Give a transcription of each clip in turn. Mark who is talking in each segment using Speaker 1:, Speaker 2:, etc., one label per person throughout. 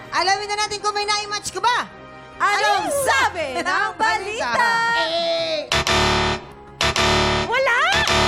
Speaker 1: Alamin na natin kung may na-match ka ba.
Speaker 2: Anong sabi ng balita?
Speaker 3: Wala!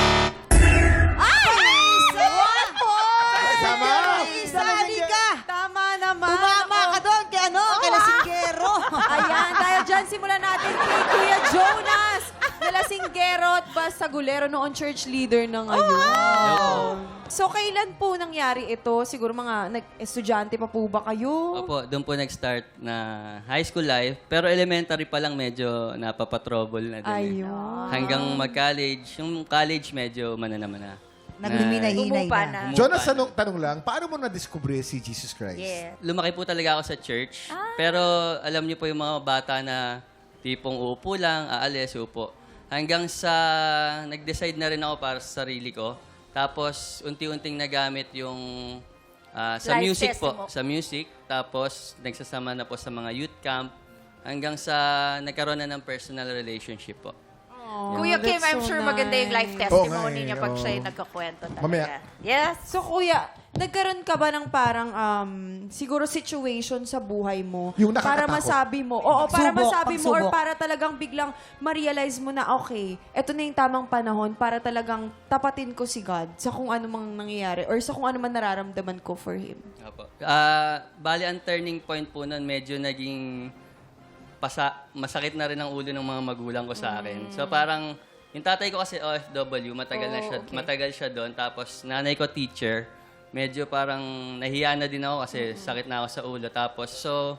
Speaker 4: Tama!
Speaker 1: Sali ka.
Speaker 2: Tama naman.
Speaker 1: Tumama ka doon kay kay Lasinggero.
Speaker 2: Ayan, dahil dyan simulan natin kay Kuya Jonas. Nalasinggero at Basagulero noon church leader na ngayon. So, kailan po nangyari ito? Siguro mga estudyante pa po ba kayo?
Speaker 5: Opo, doon po nag-start na high school life. Pero elementary pa lang medyo napapatrouble na din.
Speaker 2: Ayun.
Speaker 5: Hanggang mag-college. Yung college medyo mananaman na.
Speaker 1: Nagliminay-hinay
Speaker 3: Umupa
Speaker 1: na.
Speaker 3: na.
Speaker 4: Jonas, tanong lang, paano mo na-discover si Jesus Christ?
Speaker 3: Yeah.
Speaker 5: Lumaki po talaga ako sa church. Pero alam niyo po yung mga bata na tipong uupo lang, aalis, upo. Hanggang sa nag-decide na rin ako para sa sarili ko. Tapos unti-unting nagamit yung sa
Speaker 3: Life
Speaker 5: music
Speaker 3: test
Speaker 5: po.
Speaker 3: mo.
Speaker 5: Sa music. Tapos nagsasama na po sa mga youth camp. Hanggang sa nagkaroon na ng personal relationship po.
Speaker 3: Kuya Kim, I'm sure maganda yung life testimony niya pag siya'y
Speaker 4: oo.
Speaker 3: nagkakwento talaga.
Speaker 4: Mamaya.
Speaker 3: Yes.
Speaker 2: So, Kuya, nagkaroon ka ba ng parang siguro situation sa buhay mo
Speaker 4: Yung
Speaker 2: para
Speaker 4: nakakatakot.
Speaker 2: masabi mo, para
Speaker 1: Pagsubok,
Speaker 2: masabi mo or
Speaker 1: pagsubok.
Speaker 2: para talagang biglang ma-realize mo na, okay, eto na yung tamang panahon para talagang tapatin ko si God sa kung ano mang nangyayari or sa kung ano man nararamdaman ko for Him?
Speaker 5: Opo. Bali, ang turning point po nun, medyo naging masakit na rin ang ulo ng mga magulang ko sa akin. So parang, yung tatay ko kasi OFW, matagal siya doon. Tapos nanay ko teacher, medyo parang nahiya na din ako kasi sakit na ako sa ulo. Tapos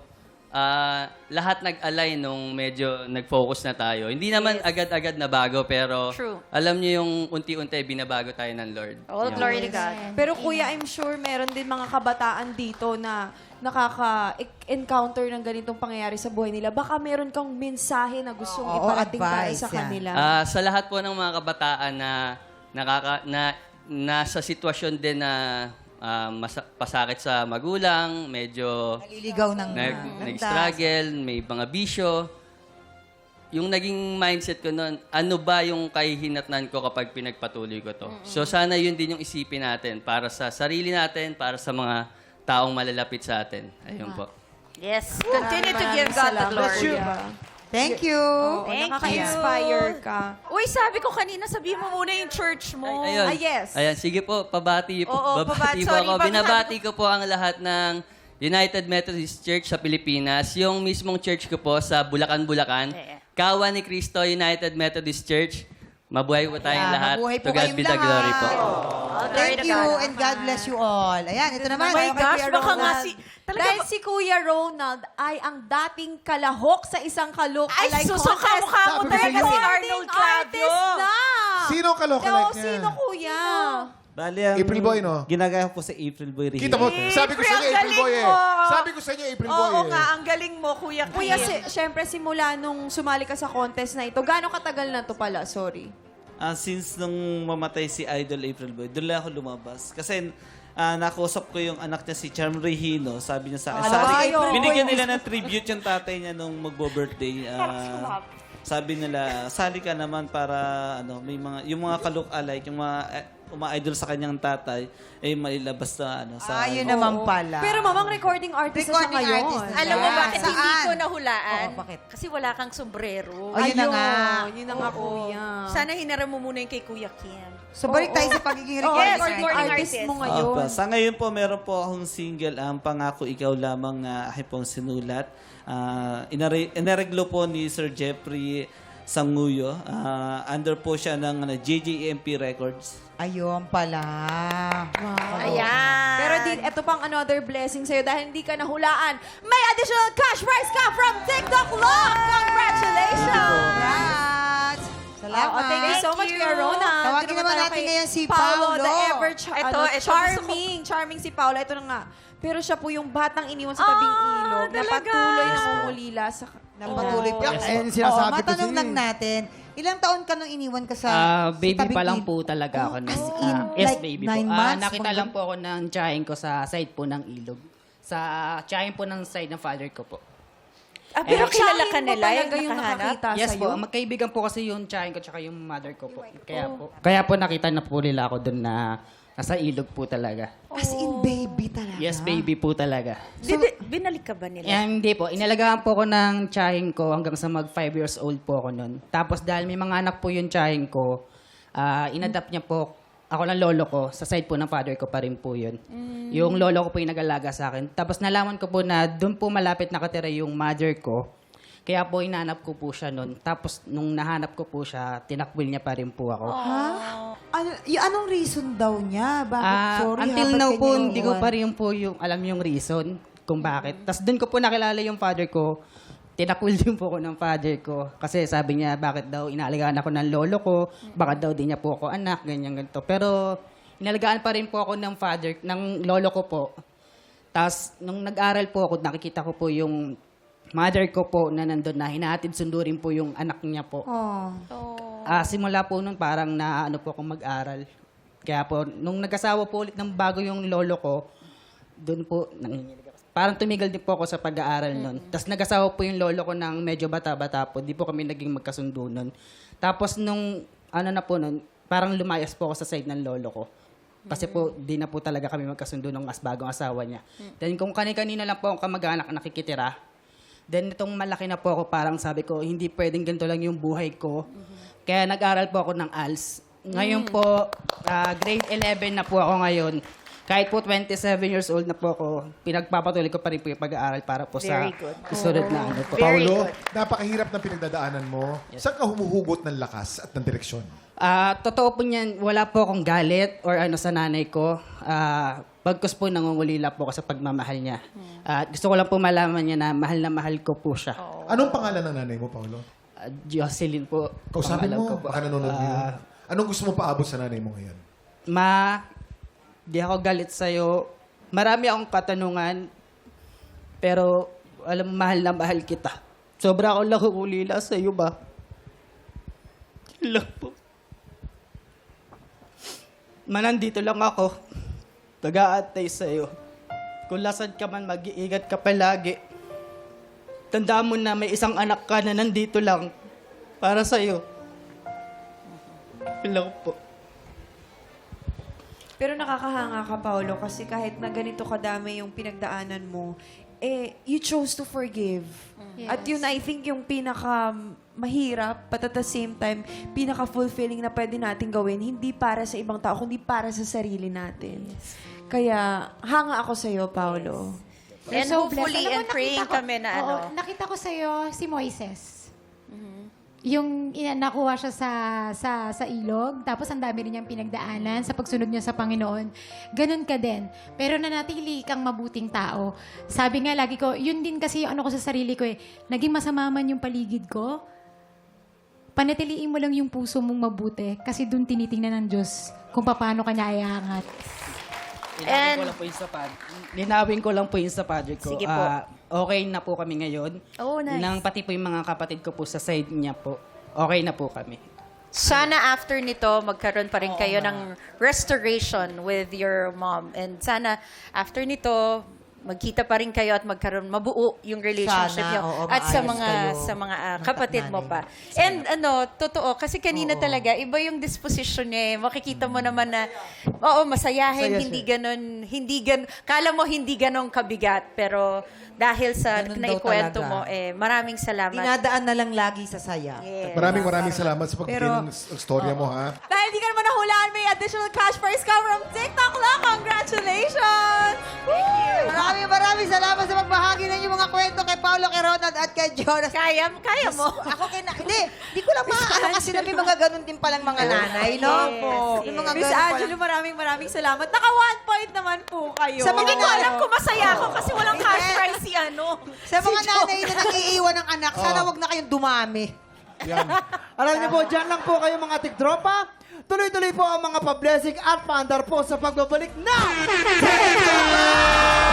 Speaker 5: lahat nag-align nung medyo nag-focus na tayo. Hindi naman agad-agad na bago, pero
Speaker 3: True.
Speaker 5: alam niyo yung unti-unti binabago tayo ng Lord.
Speaker 3: All
Speaker 5: Yun.
Speaker 3: glory to God.
Speaker 2: Pero Kuya, I'm sure meron din mga kabataan dito na nakaka-encounter ng ganitong pangyayari sa buhay nila. Baka meron kang mensahe na gustong
Speaker 1: Oo,
Speaker 2: iparating para
Speaker 1: advice,
Speaker 2: sa
Speaker 1: yan.
Speaker 2: kanila.
Speaker 5: Sa lahat po ng mga kabataan na nasa sitwasyon din na pasakit sa magulang, medyo
Speaker 1: Naliligaw ng
Speaker 5: nag-struggle, may mga bisyo. Yung naging mindset ko noon, ano ba yung kahihinatnan ko kapag pinagpatuloy ko to? So sana yun din yung isipin natin para sa sarili natin, para sa mga taong malalapit sa atin. Ayun po.
Speaker 3: Yes. Continue to give God the glory.
Speaker 1: Thank you.
Speaker 3: Thank
Speaker 2: Nakaka-inspire ka.
Speaker 3: Uy, sabi ko kanina, sabihin mo muna yung church mo.
Speaker 5: Ayun.
Speaker 2: yes.
Speaker 5: Ayan, sige po, pabati po.
Speaker 3: Oo,
Speaker 5: babati po
Speaker 3: sorry,
Speaker 5: ako.
Speaker 3: pag-
Speaker 5: Binabati ko po ang lahat ng United Methodist Church sa Pilipinas. Yung mismong church ko po sa Bulacan, Bulacan.
Speaker 3: Yeah.
Speaker 5: Kawa ni Cristo United Methodist Church. Mabuhay po tayong lahat.
Speaker 1: Mabuhay po
Speaker 5: To God
Speaker 1: kayong
Speaker 5: be the glory po.
Speaker 3: All glory
Speaker 1: Thank
Speaker 3: to
Speaker 1: you
Speaker 3: God.
Speaker 1: and God bless you all. Ayan, ito naman.
Speaker 3: Oh my gosh,
Speaker 2: Kuya
Speaker 3: baka nga
Speaker 2: Ronald.
Speaker 3: si... Talaga
Speaker 2: Dahil
Speaker 3: ba-
Speaker 2: si Kuya Ronald ay ang dating kalahok sa isang
Speaker 3: Ay,
Speaker 2: kalok-alike
Speaker 3: susuka mukha mo
Speaker 4: Sabi ko
Speaker 3: talaga
Speaker 4: sa'yo.
Speaker 3: si Arnold Claudio.
Speaker 2: na!
Speaker 4: Sino ang kalokalike
Speaker 2: Oo,
Speaker 4: niya?
Speaker 2: sino, Kuya?
Speaker 6: Bali, ang
Speaker 4: April Boy, no?
Speaker 6: Ginagaya ko sa April Boy rin.
Speaker 4: Kita mo, sabi ko sa inyo,
Speaker 3: ang
Speaker 4: April Boy
Speaker 3: galing
Speaker 4: eh.
Speaker 3: mo.
Speaker 4: Sabi ko sa inyo, April Boy
Speaker 3: Oo
Speaker 4: eh.
Speaker 3: nga, ang galing mo, Kuya Kim.
Speaker 2: Kuya, syempre simula nung sumali ka sa contest na ito, gaano katagal na to pala? Sorry.
Speaker 6: Since nung mamatay si Idol April Boy, doon lang ako lumabas. Kasi nakausap ko yung anak niya si Charm Regino. Sabi niya sa akin, binigyan nila ng tribute yung tatay niya nung magbo-birthday. Sabi nila, sali ka naman para may mga yung mga kalok-alike, yung mga uma-idol sa kanyang tatay ay mailabas na sa
Speaker 1: Yun naman pala.
Speaker 2: Pero mamang recording artist na siya
Speaker 1: Recording
Speaker 2: ngayon.
Speaker 1: artist na
Speaker 3: Alam mo
Speaker 1: Saan?
Speaker 3: bakit hindi
Speaker 1: Saan?
Speaker 3: ko nahulaan?
Speaker 1: Oo, bakit?
Speaker 3: Kasi wala kang sombrero.
Speaker 1: Ayun na nga.
Speaker 2: Yun na nga, Kuya.
Speaker 3: Sana hinaram mo muna yung kay Kuya Kim.
Speaker 1: So, balik tayo sa pagiging
Speaker 2: Oo,
Speaker 1: recording
Speaker 3: recording
Speaker 1: artist.
Speaker 2: artist mo
Speaker 3: artist.
Speaker 2: ngayon.
Speaker 6: Opo. Sa ngayon po, meron po akong single, ang Pangako Ikaw Lamang na aking pong sinulat. Inareglo po ni Sir Jeffrey Sanguyo. Under po siya ng JJMP Records.
Speaker 1: Ayun pala.
Speaker 3: Ayan.
Speaker 2: Pero eto pang another blessing sa'yo dahil hindi ka nahulaan. May additional cash prize ka from TikTok Love! Congratulations!
Speaker 1: Congrats! Salamat.
Speaker 2: Thank you so much,
Speaker 3: Thank you.
Speaker 2: Kuya Ronald.
Speaker 1: Tawagin
Speaker 2: Dito
Speaker 1: naman
Speaker 2: tayo
Speaker 1: natin
Speaker 2: kay
Speaker 1: ngayon si
Speaker 2: Paolo.
Speaker 1: Paolo.
Speaker 2: The ever
Speaker 3: Ito,
Speaker 2: charming. Charming si Paolo. Ito na nga. Pero siya po yung batang iniwan sa tabing ilog na
Speaker 3: talaga?
Speaker 1: Oh.
Speaker 2: patuloy na umulila sa...
Speaker 1: Nang patuloy pa.
Speaker 7: Ayun, sinasabi ko
Speaker 1: matanong
Speaker 7: sa'yo
Speaker 1: lang
Speaker 7: eh.
Speaker 1: natin, ilang taon ka nung iniwan ka sa
Speaker 7: Baby
Speaker 1: sa tabing
Speaker 7: pa lang
Speaker 1: ilog?
Speaker 7: po talaga ako.
Speaker 1: As
Speaker 7: nun.
Speaker 1: in,
Speaker 7: Yes,
Speaker 1: like
Speaker 7: baby
Speaker 1: 9
Speaker 7: po.
Speaker 1: months?
Speaker 7: Nakita lang po ako ng tiyahin ko sa side po ng ilog. Sa tiyahin po ng side ng father ko po.
Speaker 3: Pero kilala ka
Speaker 2: Siya
Speaker 3: nila
Speaker 2: mo
Speaker 3: yung
Speaker 2: talaga yung
Speaker 3: nakahanap?
Speaker 2: nakakita
Speaker 7: Yes
Speaker 2: sa'yo?
Speaker 7: po, magkaibigan po kasi yung tiyahin ko tsaka yung mother ko po. Kaya po nakita na po nila ako doon na nasa ilog po talaga.
Speaker 1: As in, baby talaga.
Speaker 7: Yes, baby po talaga.
Speaker 3: Binalik ka ba nila?
Speaker 7: Hindi po. Inalagaan po ko ng tsahin ko hanggang sa mag 5 years old po ako nun. Tapos dahil may mga anak po yung tsahin ko, inadapt niya po ako ng lolo ko. Sa side po ng father ko pa rin po yun. Yung lolo ko po yung nag-alaga sa akin. Tapos nalaman ko po na doon po malapit nakatira yung mother ko. Kaya po inanap ko po siya nun. Tapos nung nahanap ko po siya, tinakwil niya pa rin po ako.
Speaker 1: Anong reason daw niya? Bakit? Sorry,
Speaker 7: Until
Speaker 1: ba't
Speaker 7: now
Speaker 1: kanya
Speaker 7: po, hindi ko
Speaker 1: iiwan?
Speaker 7: pa rin po yung alam yung reason kung bakit. Tapos doon ko po nakilala yung father ko. Tinakwil din po ako ng father ko. Kasi sabi niya, bakit daw inaalagaan ako ng lolo ko, bakit daw di niya po ako anak, ganyan, ganito. Pero inalagaan pa rin po ako ng father, ng lolo ko po. Tapos nung nag-aral po ako, nakikita ko po yung mother ko po na nandun na hinahatid sundo rin po yung anak niya po.
Speaker 1: Oh.
Speaker 7: Simula po nun parang naano po akong mag-aral. Kaya po, nung nag-asawa po ulit ng bago yung lolo ko, doon po, nanginginig ako. Parang tumigil din po ako sa pag-aaral nun. Tapos nag-asawa po yung lolo ko ng medyo bata-bata po. Di po kami naging magkasundo nun. Tapos nung, ano na po nun, parang lumayas po ako sa side ng lolo ko. Kasi po, di na po talaga kami magkasundo ng mas bagong asawa niya. Then kung kani-kanina lang po ang kamag-anak nakikitira, then itong malaki na po ako, parang sabi ko, hindi pwedeng ganito lang yung buhay ko. Kaya nag-aral po ako ng ALS. Ngayon po, grade 11 na po ako ngayon. Kahit po 27 years old na po ako, pinagpapatuloy ko pa rin po yung pag-aaral para po sa
Speaker 3: Very good.
Speaker 7: susunod na ano po.
Speaker 3: Very
Speaker 4: Paolo,
Speaker 3: good.
Speaker 4: napakahirap ng pinagdadaanan mo. Saan ka humuhugot ng lakas at ng direksyon?
Speaker 7: Totoo po niyan, wala po akong galit or ano sa nanay ko. Pagkus po nangungulila po ako sa pagmamahal niya. Gusto ko lang po malaman niya na mahal ko po siya.
Speaker 4: Anong pangalan ng nanay mo, Paolo?
Speaker 7: Jocelyn po.
Speaker 4: Kausapin
Speaker 7: pangalan
Speaker 4: mo,
Speaker 7: ko po.
Speaker 4: baka nanonood yun. Anong gusto mo paabot sa nanay mo ngayon?
Speaker 7: Ma, di ako galit sa'yo. Marami akong katanungan, pero alam, mahal na mahal kita. Sobra akong nakukulila sa'yo ba? Lang po. Nandito lang ako. Nag-aantay sa'yo. Kung lasan ka man, mag-iingat ka palagi. Tandaan mo na may isang anak ka na nandito lang para sa'yo. Lang po.
Speaker 2: Pero nakakahanga ka, Paolo, kasi kahit na ganito kadami yung pinagdaanan mo, you chose to forgive. At yun, I think, yung pinaka mahirap, but at the same time, pinaka-fulfilling na pwede natin gawin, hindi para sa ibang tao, kundi para sa sarili natin. Kaya, hanga ako sa'yo, Paolo.
Speaker 3: And
Speaker 8: So
Speaker 3: hopefully,
Speaker 8: blessed. Alam mo,
Speaker 3: and praying
Speaker 8: nakita ko-
Speaker 3: kami na
Speaker 8: oo, nakita ko sa'yo si Moises. Yung nakuha siya sa ilog, tapos ang dami rin niyang pinagdaanan sa pagsunod niya sa Panginoon. Ganun ka din. Pero nanatili kang mabuting tao. Sabi nga lagi ko, yun din kasi yung ano ko sa sarili ko eh. Naging masama man yung paligid ko, panatiliin mo lang yung puso mong mabuti kasi dun tinitingnan ng Diyos kung paano kanya iaangat.
Speaker 7: Linawin ko lang po yung sa padre ko.
Speaker 3: Sige po.
Speaker 7: Okay na po kami ngayon.
Speaker 3: Oh, nice.
Speaker 7: Nang pati po yung mga kapatid ko po sa side niya po. Okay na po kami.
Speaker 3: Sana after nito, magkaroon pa rin kayo ng restoration with your mom. And sana after nito, magkita pa rin kayo at magkaroon mabuo yung relationship
Speaker 1: Sana,
Speaker 3: niyo
Speaker 1: oo,
Speaker 3: at sa
Speaker 1: maayos
Speaker 3: mga
Speaker 1: kayo.
Speaker 3: kapatid mo pa. And totoo kasi kanina talaga iba yung disposition niya. Makikita mo naman na masayahin, hindi ganon kala mo hindi ganon kabigat pero dahil sa
Speaker 1: Ganun daw
Speaker 3: naikwento
Speaker 1: talaga.
Speaker 3: mo maraming salamat.
Speaker 1: Dinadaan na lang lagi sa saya.
Speaker 3: Yes.
Speaker 4: Maraming salamat sa pagbigay
Speaker 1: Pero-
Speaker 4: ng storya mo, ha?
Speaker 2: Dahil di ka naman nahulaan, may additional cash prize come from TikTok lang. Congratulations!
Speaker 1: Maraming salamat sa pagbahagi ng inyong mga kwento kay Paolo, kay Ronald, at kay Jonas.
Speaker 3: Kaya mo.
Speaker 1: Ako hindi ko lang maaano kasi na may mga ganun din palang mga nanay, no?
Speaker 3: Yes,
Speaker 1: May mga
Speaker 2: Miss
Speaker 1: ganun
Speaker 2: Angelo,
Speaker 1: palang.
Speaker 2: maraming salamat. Naka 1 point naman po kayo.
Speaker 1: Sa mga
Speaker 3: Hindi ko alam kung masaya ako kasi walang cash
Speaker 1: Hindi.
Speaker 3: prize si
Speaker 1: Sa mga nanay na nag-iiwan ng anak, sana wag na kayong dumami.
Speaker 4: Yan.
Speaker 9: Alam niyo po, dyan lang po kayo mga tiktropa. Tuloy-tuloy po ang mga pa-blessing at paandar po sa pagbabalik na